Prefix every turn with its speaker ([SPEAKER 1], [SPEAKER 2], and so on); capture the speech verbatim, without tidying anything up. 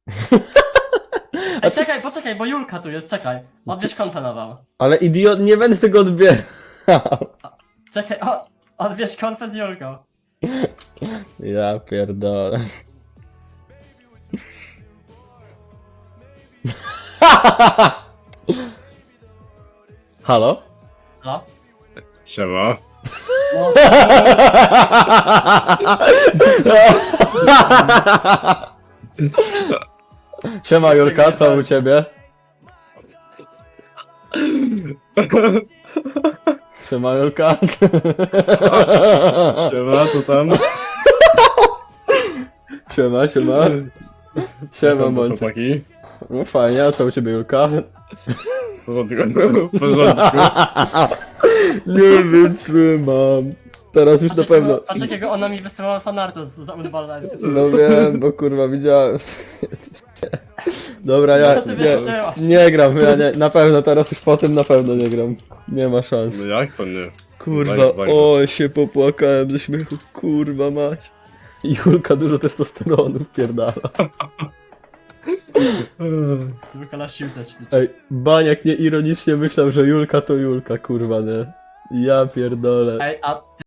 [SPEAKER 1] Ej, czekaj, poczekaj, bo Julka tu jest, czekaj. Odbierz konfę nową.
[SPEAKER 2] Ale idiot, nie będę tego odbierał.
[SPEAKER 1] Czekaj, o, odbierz konfę z Julką.
[SPEAKER 2] Ja pierdolę. Halo?
[SPEAKER 1] No.
[SPEAKER 3] Siema.
[SPEAKER 1] No,
[SPEAKER 2] Siema Julka, co u ciebie? Siema Julka.
[SPEAKER 3] Siema, co tam?
[SPEAKER 2] Siema, siema. Siema bądź.
[SPEAKER 3] Chłopaki.
[SPEAKER 2] No fajnie, a co u ciebie Julka?
[SPEAKER 3] W porządku. W porządku.
[SPEAKER 2] Nie wytrzymam. Teraz już na
[SPEAKER 1] poczekaj,
[SPEAKER 2] pewno.
[SPEAKER 1] bo- Poczekaj, bo ona mi wysyłała fanarta z, z Unbalance.
[SPEAKER 2] No wiem, bo kurwa widziałem. Dobra, ja
[SPEAKER 1] Co ty
[SPEAKER 2] nie,
[SPEAKER 1] wysyłasz?
[SPEAKER 2] nie gram, ja nie, na pewno teraz już po tym na pewno nie gram. Nie ma szans.
[SPEAKER 3] No jak to nie?
[SPEAKER 2] Kurwa,
[SPEAKER 3] Daj, daj,
[SPEAKER 2] o się popłakałem ze śmiechu, kurwa mać. Julka dużo testosteronu wpierdala.
[SPEAKER 1] Julka na siłce ćwiczy.
[SPEAKER 2] Ej, Baniak nie ironicznie myślał, że Julka to Julka, kurwa nie. Ja pierdolę.
[SPEAKER 1] Ej, a